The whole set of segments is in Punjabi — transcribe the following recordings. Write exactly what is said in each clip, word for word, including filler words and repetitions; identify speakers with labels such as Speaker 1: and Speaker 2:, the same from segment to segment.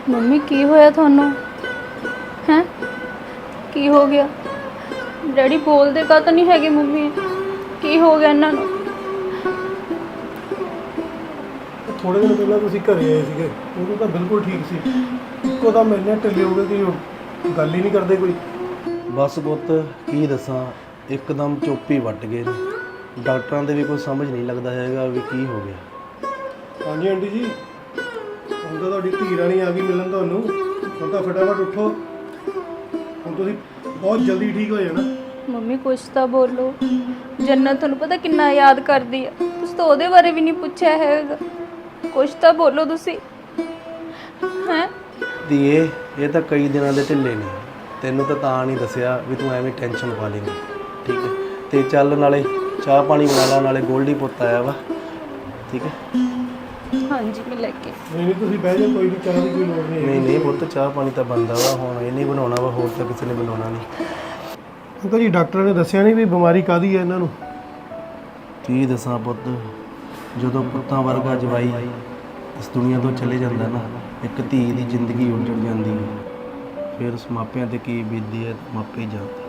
Speaker 1: ਮੰਮੀ ਕੀ ਹੋਇਆ ਤੁਹਾਨੂੰ? ਹੈ ਕੀ ਹੋ ਗਿਆ? ਡੈਡੀ ਬੋਲਦੇ ਕਾ ਤਾਂ ਨਹੀਂ ਹੈਗੇ? ਮੰਮੀ ਕੀ ਹੋ ਗਿਆ ਇਹਨਾਂ ਨੂੰ?
Speaker 2: ਥੋੜੇ ਦਿਨ ਪਹਿਲਾਂ ਤੁਸੀਂ ਘਰੇ ਆਏ ਸੀਗੇ, ਉਦੋਂ ਤਾਂ ਬਿਲਕੁਲ ਠੀਕ ਸੀ। ਇੱਕੋ ਦਮ ਇੰਨੇ ਢਿੱਲੇ ਹੋ ਗਏ ਕਿ ਉਹ ਗੱਲ ਹੀ ਨਹੀਂ ਕਰਦੇ ਕੋਈ।
Speaker 3: ਬਸ ਪੁੱਤ ਕੀ ਦੱਸਾਂ, ਇੱਕਦਮ ਚੁੱਪ ਹੀ ਵੱਟ ਗਏ ਨੇ। ਡਾਕਟਰਾਂ ਦੇ ਵੀ ਕੋਈ ਸਮਝ ਨਹੀਂ ਲੱਗਦਾ ਹੈਗਾ ਵੀ ਕੀ ਹੋ ਗਿਆ।
Speaker 2: ਹਾਂਜੀ ਆਂਟੀ ਜੀ, ਹੁਣ ਤਾਂ ਤੁਹਾਡੀ ਧੀ ਰਾਣੀ ਆ ਗਈ ਮਿਲਣ ਤੁਹਾਨੂੰ। ਹੁਣ ਤਾਂ ਫਟਾਫਟ ਉੱਠੋ, ਹੁਣ ਤੁਸੀਂ ਬਹੁਤ ਜਲਦੀ ਠੀਕ ਹੋ ਜਾਣਾ।
Speaker 1: ਮੰਮੀ ਕੁਛ ਤਾਂ ਬੋਲੋ। ਜੰਨਤ ਤੁਹਾਨੂੰ ਪਤਾ ਕਿੰਨਾ ਯਾਦ ਕਰਦੀ ਆ, ਤੁਸੀਂ ਤਾਂ ਉਹਦੇ ਬਾਰੇ ਵੀ ਨਹੀਂ ਪੁੱਛਿਆ ਹੈਗਾ। ਕੁਛ ਤਾਂ ਬੋਲੋ ਤੁਸੀਂ। ਹੈ
Speaker 3: ਧੀਏ, ਇਹ ਤਾਂ ਕਈ ਦਿਨਾਂ ਦੇ ਢਿੱਲੇ ਨੇ, ਤੈਨੂੰ ਤਾਂ ਤਾਂ ਨਹੀਂ ਦੱਸਿਆ ਵੀ ਤੂੰ ਐਵੇਂ ਟੈਨਸ਼ਨ ਪਾ ਲੇਂਗੀ। ਠੀਕ ਹੈ, ਤੇ ਚੱਲ ਨਾਲੇ ਚਾਹ ਪਾਣੀ ਬਣਾ ਲਾ, ਨਾਲੇ ਗੋਲਡੀ ਪੁੱਤ ਆਇਆ ਵਾ। ਠੀਕ ਹੈ?
Speaker 1: ਹਾਂਜੀ ਮੈਂ ਲੈ ਕੇ।
Speaker 2: ਨਹੀਂ ਨਹੀਂ ਤੁਸੀਂ ਬਹਿ ਜਾਓ, ਕੋਈ ਨਹੀਂ, ਚਾਹ ਦੀ ਕੋਈ ਲੋੜ ਨਹੀਂ।
Speaker 3: ਨਹੀਂ ਨਹੀਂ ਪੁੱਤ, ਚਾਹ ਪਾਣੀ ਤਾਂ ਬਣਦਾ ਵਾ, ਹੁਣ ਇਹ ਨਹੀਂ ਬਣਾਉਣਾ ਵਾ, ਹੋਰ ਤਾਂ ਕਿਸੇ ਨੇ ਬਣਾਉਣਾ ਨਹੀਂ।
Speaker 2: ਅੰਕਲ ਜੀ, ਡਾਕਟਰ ਨੇ ਦੱਸਿਆ ਨਹੀਂ ਵੀ ਬਿਮਾਰੀ ਕਾਹਦੀ ਹੈ ਇਹਨਾਂ ਨੂੰ?
Speaker 3: ਕੀ ਦੱਸਾਂ ਪੁੱਤ, ਜਦੋਂ ਪੁੱਤਾਂ ਵਰਗਾ ਜਵਾਈ ਇਸ ਦੁਨੀਆ ਤੋਂ ਚਲੇ ਜਾਂਦਾ ਨਾ, ਇੱਕ ਧੀ ਦੀ ਜ਼ਿੰਦਗੀ ਉੱਜੜ ਜਾਂਦੀ ਹੈ। ਫਿਰ ਉਸ ਮਾਪਿਆਂ ਤੇ ਕੀ ਬੀਤਦੀ ਹੈ ਮਾਪੇ ਜਾਣਦੇ।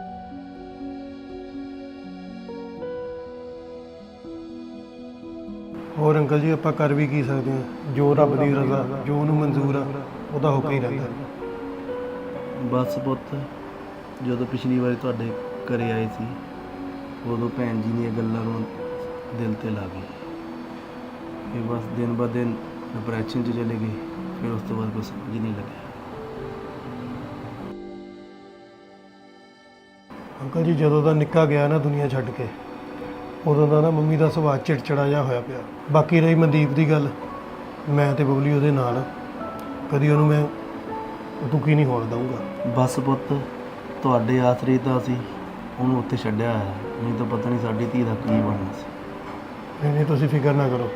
Speaker 2: ਹੋਰ ਅੰਕਲ ਜੀ, ਆਪਾਂ ਕਰ ਵੀ ਕੀ ਸਕਦੇ ਹਾਂ? ਜੋ ਰੱਬ ਦੀ ਰਜ਼ਾ, ਜੋ ਉਹਨੂੰ ਮਨਜ਼ੂਰ ਆ, ਉਹਦਾ ਹੋ ਕੇ ਹੀ ਰਹਿੰਦਾ।
Speaker 3: ਬਸ ਪੁੱਤ, ਜਦੋਂ ਪਿਛਲੀ ਵਾਰੀ ਤੁਹਾਡੇ ਘਰੇ ਆਏ ਸੀ, ਉਦੋਂ ਭੈਣ ਜੀ ਦੀਆਂ ਗੱਲਾਂ ਨੂੰ ਦਿਲ ਤੇ ਲਾ ਗਈ। ਇਹ ਬਸ ਦਿਨ ਬ ਦਿਨ ਡਿਪਰੈਸ਼ਨ 'ਚ ਚਲੇ ਗਏ। ਫਿਰ ਉਸ ਤੋਂ ਬਾਅਦ ਕੁਛ ਸਮਝ ਹੀ ਨਹੀਂ ਲੱਗਿਆ।
Speaker 2: ਅੰਕਲ ਜੀ, ਜਦੋਂ ਦਾ ਨਿੱਕਾ ਗਿਆ ਨਾ ਦੁਨੀਆ ਛੱਡ ਕੇ, ਉਦੋਂ ਦਾ ਨਾ ਮੰਮੀ ਦਾ ਸੁਭਾਅ ਚਿੜਚਿੜਾ ਜਿਹਾ ਹੋਇਆ ਪਿਆ। ਬਾਕੀ ਰਹੀ ਮਨਦੀਪ ਦੀ ਗੱਲ, ਮੈਂ ਤੇ ਬਬਲੀ ਉਹਦੇ ਨਾਲ, ਕਦੀ ਉਹਨੂੰ ਮੈਂ ਦੁਖੀ ਨਹੀਂ ਹੋਣ ਦਊਂਗਾ।
Speaker 3: ਬਸ ਪੁੱਤ, ਤੁਹਾਡੇ ਆਸਰੇ ਤਾਂ ਅਸੀਂ ਉਹਨੂੰ ਉੱਥੇ ਛੱਡਿਆ ਹੋਇਆ, ਨਹੀਂ ਤਾਂ ਪਤਾ ਨਹੀਂ ਸਾਡੀ ਧੀ ਦਾ ਕੀ ਬਣਨਾ ਸੀ।
Speaker 2: ਨਹੀਂ ਨਹੀਂ ਤੁਸੀਂ ਫਿਕਰ ਨਾ ਕਰੋ।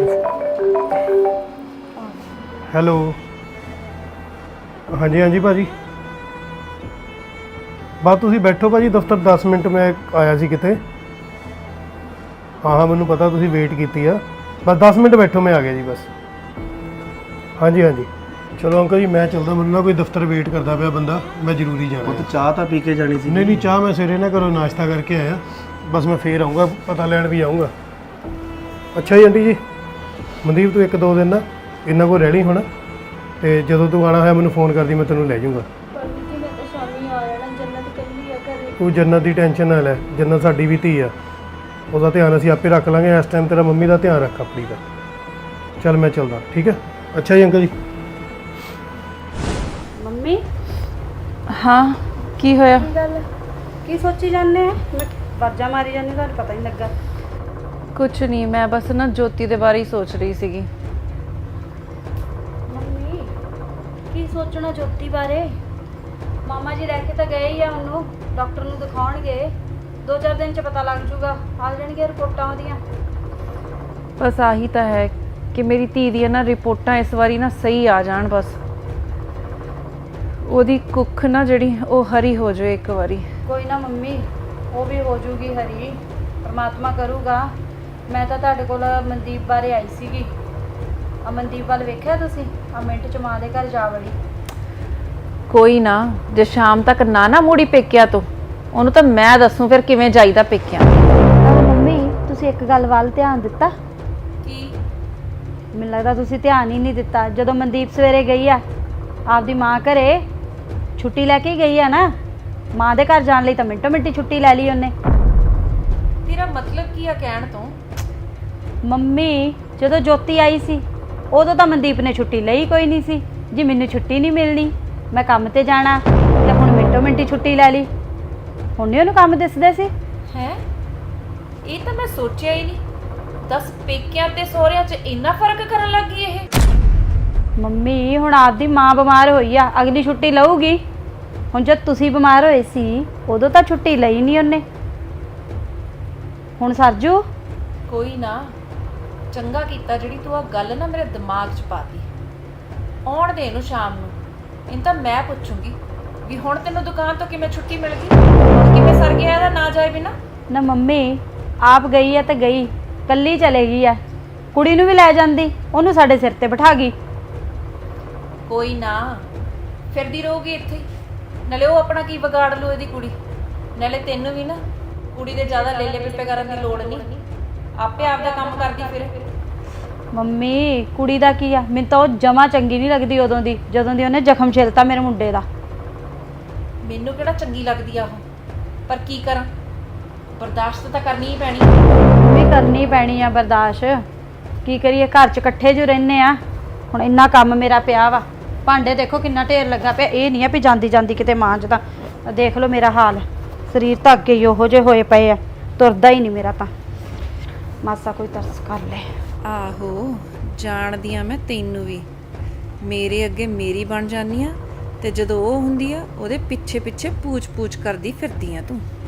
Speaker 2: ਹੈਲੋ, ਹਾਂਜੀ ਹਾਂਜੀ ਭਾਜੀ, ਬਸ ਤੁਸੀਂ ਬੈਠੋ ਭਾਜੀ ਦਫ਼ਤਰ, ਦਸ ਮਿੰਟ ਮੈਂ ਆਇਆ ਸੀ ਕਿਤੇ। ਹਾਂ ਹਾਂ ਮੈਨੂੰ ਪਤਾ, ਤੁਸੀਂ ਵੇਟ ਕੀਤੀ ਆ। ਬਸ ਦਸ ਮਿੰਟ ਬੈਠੋ, ਮੈਂ ਆ ਗਿਆ ਜੀ ਬਸ। ਹਾਂਜੀ ਹਾਂਜੀ ਚਲੋ ਅੰਕਲ ਜੀ, ਮੈਂ ਚੱਲਦਾ, ਮੈਨੂੰ ਨਾ ਕੋਈ ਦਫ਼ਤਰ ਵੇਟ ਕਰਦਾ ਪਿਆ ਬੰਦਾ, ਮੈਂ ਜ਼ਰੂਰੀ ਜਾਣਾ।
Speaker 3: ਪੁੱਤ ਚਾਹ ਤਾਂ ਪੀ ਕੇ ਜਾਣੀ ਸੀ।
Speaker 2: ਨਹੀਂ ਨਹੀਂ ਚਾਹ ਮੈਂ ਸਵੇਰੇ ਨਾ ਘਰੋਂ ਨਾਸ਼ਤਾ ਕਰਕੇ ਆਇਆ, ਬਸ ਮੈਂ ਫੇਰ ਆਊਂਗਾ, ਪਤਾ ਲੈਣ ਵੀ ਆਊਂਗਾ। ਅੱਛਾ ਜੀ ਆਂਟੀ ਜੀ, ਮਨਦੀਪ ਤੂੰ ਇੱਕ ਦੋ ਦਿਨ ਨਾ ਇਹਨਾਂ ਕੋਲ ਰਹਿ ਲਈ ਹੁਣ, ਤੇ ਜਦੋਂ ਤੂੰ ਆਉਣਾ ਹੋਇਆ ਮੈਨੂੰ ਫੋਨ ਕਰਦੀ, ਮੈਂ ਤੈਨੂੰ ਲੈ ਜਾਊਂਗਾ।
Speaker 1: ਮੈਂ ਤਾਂ ਸ਼ਾਮੀ ਆ ਜਾਣਾ, ਜੰਨਤ ਇਕੱਲੀ ਆ ਘਰੇ।
Speaker 2: ਤੂੰ ਜੰਨਤ ਦੀ ਟੈਨਸ਼ਨ ਨਾ ਲੈ, ਜੰਨਤ ਸਾਡੀ ਵੀ ਧੀ ਆ, ਉਹਦਾ ਧਿਆਨ ਅਸੀਂ ਆਪੇ ਰੱਖ ਲਾਂਗੇ। ਇਸ ਟਾਈਮ ਤੇਰਾ ਮੰਮੀ ਦਾ ਧਿਆਨ ਰੱਖ ਆਪਣੀ ਦਾ। ਚੱਲ ਮੈਂ ਚੱਲਦਾ, ਠੀਕ ਹੈ? ਅੱਛਾ ਜੀ ਅੰਕਲ ਜੀ।
Speaker 4: ਮੰਮੀ
Speaker 1: ਹਾਂ ਕੀ ਹੋਇਆ?
Speaker 4: ਕੀ ਗੱਲ, ਕੀ ਸੋਚੀ ਜਾਂਦੇ ਆ? ਮੈਂ ਵਾਜਾਂ ਮਾਰੀ ਜਾਂਦੀ, ਤੁਹਾਨੂੰ ਪਤਾ ਨਹੀਂ ਲੱਗਾ।
Speaker 1: ਕੁਛ ਨਹੀਂ, ਮੈਂ ਬਸ ਨਾ ਜੋਤੀ ਦੇ ਬਾਰੇ ਹੀ ਸੋਚ ਰਹੀ ਸੀਗੀ।
Speaker 4: ਮੰਮੀ ਕੀ ਸੋਚਣਾ ਜੋਤੀ ਬਾਰੇ? ਮਾਮਾ ਜੀ ਰਹਿ ਕੇ ਤਾਂ ਗਏ ਹੀ ਆ, ਉਹਨੂੰ ਡਾਕਟਰ ਨੂੰ ਦਿਖਾਉਣਗੇ, ਦੋ ਚਾਰ ਦਿਨ 'ਚ ਪਤਾ ਲੱਗ ਜੂਗਾ, ਆ ਜਾਣਗੀਆਂ ਰਿਪੋਰਟਾਂ ਉਹਦੀਆਂ।
Speaker 1: ਬਸ ਆਹੀ ਤਾਂ ਹੈ ਕਿ ਮੇਰੀ ਧੀ ਦੀਆਂ ਨਾ ਰਿਪੋਰਟਾਂ ਇਸ ਵਾਰੀ ਨਾ ਸਹੀ ਆ ਜਾਣ, ਬਸ ਉਹਦੀ ਕੁੱਖ ਨਾ ਜਿਹੜੀ ਉਹ ਹਰੀ ਹੋ ਜਾਵੇ ਇੱਕ ਵਾਰੀ।
Speaker 4: ਕੋਈ ਨਾ ਮੰਮੀ, ਉਹ ਵੀ ਹੋ ਜੂਗੀ ਹਰੀ, ਪਰਮਾਤਮਾ ਕਰੂਗਾ। ਮੈਂ ਤਾਂ ਤੁਹਾਡੇ ਕੋਲ ਮਨਦੀਪ ਬਾਰੇ ਆਈ ਸੀਗੀ। ਆ ਮਨਦੀਪ ਵੱਲ ਵੇਖਿਆ ਤੁਸੀਂ? ਆ ਮਿੰਟ 'ਚ ਮਾਂ ਦੇ ਘਰ ਜਾ ਵੜੀ।
Speaker 1: ਕੋਈ ਨਾ, ਜੇ ਸ਼ਾਮ ਤੱਕ ਨਾ ਨਾ ਮੁੜੀ ਪੇਕਿਆ ਤੋਂ, ਉਹਨੂੰ ਤਾਂ ਮੈਂ ਦੱਸੂ ਫਿਰ ਕਿਵੇਂ ਜਾਈਦਾ ਪੇਕਿਆਂ।
Speaker 4: ਮੰਮੀ ਤੁਸੀਂ ਇੱਕ ਗੱਲ ਵੱਲ ਧਿਆਨ ਦਿੱਤਾ?
Speaker 1: ਕੀ?
Speaker 4: ਮੈਨੂੰ ਲੱਗਦਾ ਤੁਸੀਂ ਧਿਆਨ ਹੀ ਨਹੀਂ ਦਿੱਤਾ। ਜਦੋਂ ਮਨਦੀਪ ਸਵੇਰੇ ਗਈ ਆ ਆਪਦੀ ਮਾਂ ਘਰੇ, ਛੁੱਟੀ ਲੈ ਕੇ ਗਈ ਆ ਨਾ, ਮਾਂ ਦੇ ਘਰ ਜਾਣ ਲਈ ਤਾਂ ਮਿੰਟੋ ਮਿੰਟੀ ਛੁੱਟੀ ਲੈ ਲਈ ਉਹਨੇ।
Speaker 1: ਤੇਰਾ ਮਤਲਬ ਕੀ ਆ ਕਹਿਣ ਤੋਂ?
Speaker 4: ਮੰਮੀ ਜਦੋਂ ਜੋਤੀ ਆਈ ਸੀ ਉਦੋਂ ਤਾਂ ਮਨਦੀਪ ਨੇ ਛੁੱਟੀ ਲਈ ਕੋਈ ਨਹੀਂ ਸੀ ਜੀ, ਮੈਨੂੰ ਛੁੱਟੀ ਨਹੀਂ ਮਿਲਣੀ, ਮੈਂ ਕੰਮ ਤੇ ਜਾਣਾ, ਤੇ ਹੁਣ ਮਿੰਟੋ ਮਿੰਟੀ ਛੁੱਟੀ ਲੈ ਲਈ। ਹੁਣ ਨਹੀਂ ਉਹਨੂੰ ਕੰਮ ਦਿਸਦੇ ਸੀ।
Speaker 5: ਹੈ ਇਹ ਤਾਂ ਮੈਂ ਸੋਚਿਆ ਹੀ ਨਹੀਂ। ਦਸ ਪੇਕਿਆਂ ਤੇ ਸਹੁਰਿਆਂ 'ਚ ਇੰਨਾ ਫਰਕ ਕਰਨ ਲੱਗੀ ਇਹ।
Speaker 4: ਮੰਮੀ ਹੁਣ ਆਪਦੀ ਮਾਂ ਬਿਮਾਰ ਹੋਈ ਆ, ਅਗਲੀ ਛੁੱਟੀ ਲਊਗੀ। ਹੁਣ ਜਦ ਤੁਸੀਂ ਬਿਮਾਰ ਹੋਏ ਸੀ ਉਦੋਂ ਤਾਂ ਛੁੱਟੀ ਲਈ ਨਹੀਂ ਉਹਨੇ, ਹੁਣ ਸਰਜੂ।
Speaker 5: ਕੋਈ ਨਾ, ਚੰਗਾ ਕੀਤਾ ਜਿਹੜੀ ਤੂੰ ਆ ਗੱਲ ਨਾ ਮੇਰੇ ਦਿਮਾਗ 'ਚ ਪਾਤੀ। ਆਉਣ ਦੇ ਇਹਨੂੰ ਸ਼ਾਮ ਨੂੰ, ਇਹਨੂੰ ਤਾਂ ਮੈਂ ਪੁੱਛੂੰਗੀ ਵੀ ਹੁਣ ਤੈਨੂੰ ਦੁਕਾਨ ਤੋਂ ਕਿਵੇਂ ਛੁੱਟੀ ਮਿਲ ਗਈ, ਹੁਣ ਕਿਵੇਂ ਸਰ ਗਿਆ ਇਹਦਾ ਨਾ ਜਾਏ ਬਿਨਾ।
Speaker 4: ਨਾ ਮੰਮੀ ਆਪ ਗਈ ਆ ਤੇ ਗਈ, ਕੱਲੀ ਚਲੇ ਗਈ ਆ, ਕੁੜੀ ਨੂੰ ਵੀ ਲੈ ਜਾਂਦੀ, ਉਹਨੂੰ ਸਾਡੇ ਸਿਰ ਤੇ ਬਿਠਾ ਗਈ।
Speaker 5: ਕੋਈ ਨਾ, ਫਿਰਦੀ ਰਹੂਗੀ ਇੱਥੇ ਹੀ। ਨਾਲੇ ਉਹ ਆਪਣਾ ਕੀ ਵਿਗਾੜ ਲੂ ਇਹਦੀ ਕੁੜੀ। ਨਾਲੇ ਤੈਨੂੰ ਵੀ ਨਾ ਕੁੜੀ ਦੇ ਜ਼ਿਆਦਾ ਲੇਲੇ ਪਿੱਪੇ ਕਰਨ ਦੀ ਲੋੜ ਨਹੀਂ, ਆਪੇ ਆਪਦਾ ਕੰਮ ਕਰਦੀ ਫਿਰ।
Speaker 4: ਮੰਮੀ ਕੁੜੀ ਦਾ ਕੀ ਆ, ਮੈਨੂੰ ਤਾਂ ਉਹ ਜਮਾ ਚੰਗੀ ਨਹੀਂ ਲੱਗਦੀ ਉਦੋਂ ਦੀ, ਜਦੋਂ ਦੀ ਉਹਨੇ ਜ਼ਖਮ ਛਿਲਤਾ ਮੇਰੇ ਮੁੰਡੇ ਦਾ।
Speaker 5: ਮੈਨੂੰ ਕਿਹੜਾ ਚੰਗੀ ਲੱਗਦੀ ਆ ਉਹ, ਪਰ ਕੀ ਕਰਾਂ, ਬਰਦਾਸ਼ਤ ਤਾਂ ਕਰਨੀ ਹੀ ਪੈਣੀ।
Speaker 4: ਵੀ ਕਰਨੀ ਪੈਣੀ ਆ ਬਰਦਾਸ਼ਤ, ਕੀ ਕਰੀਏ, ਘਰ 'ਚ ਇਕੱਠੇ ਜੋ ਰਹਿੰਦੇ ਆ। ਹੁਣ ਇੰਨਾ ਕੰਮ ਮੇਰਾ ਪਿਆ ਵਾ, ਭਾਂਡੇ ਦੇਖੋ ਕਿੰਨਾ ਢੇਰ ਲੱਗਾ ਪਿਆ। ਇਹ ਨਹੀਂ ਆ ਵੀ ਜਾਂਦੀ ਜਾਂਦੀ ਕਿਤੇ ਮਾਂਜਦਾ। ਦੇਖ ਲਓ ਮੇਰਾ ਹਾਲ, ਸਰੀਰ ਤਾਂ ਅੱਗੇ ਹੀ ਉਹੋ ਜਿਹੇ ਹੋਏ ਪਏ ਆ, ਤੁਰਦਾ ਹੀ ਨਹੀਂ ਮੇਰਾ ਤਾਂ। ਮਾਸਾ ਕੋਈ ਤਰਸ ਕਰ ਲੈ।
Speaker 5: ਆਹੋ, ਜਾਣਦੀ ਆ ਮੈਂ ਤੈਨੂੰ ਵੀ, ਮੇਰੇ ਅੱਗੇ ਮੇਰੀ ਬਣ ਜਾਨੀ ਆ ਤੇ ਜਦੋਂ ਉਹ ਹੁੰਦੀ ਆ ਉਹਦੇ ਪਿੱਛੇ ਪਿੱਛੇ ਪੂਛ ਪੂਛ ਕਰਦੀ ਫਿਰਦੀ ਆ ਤੂੰ।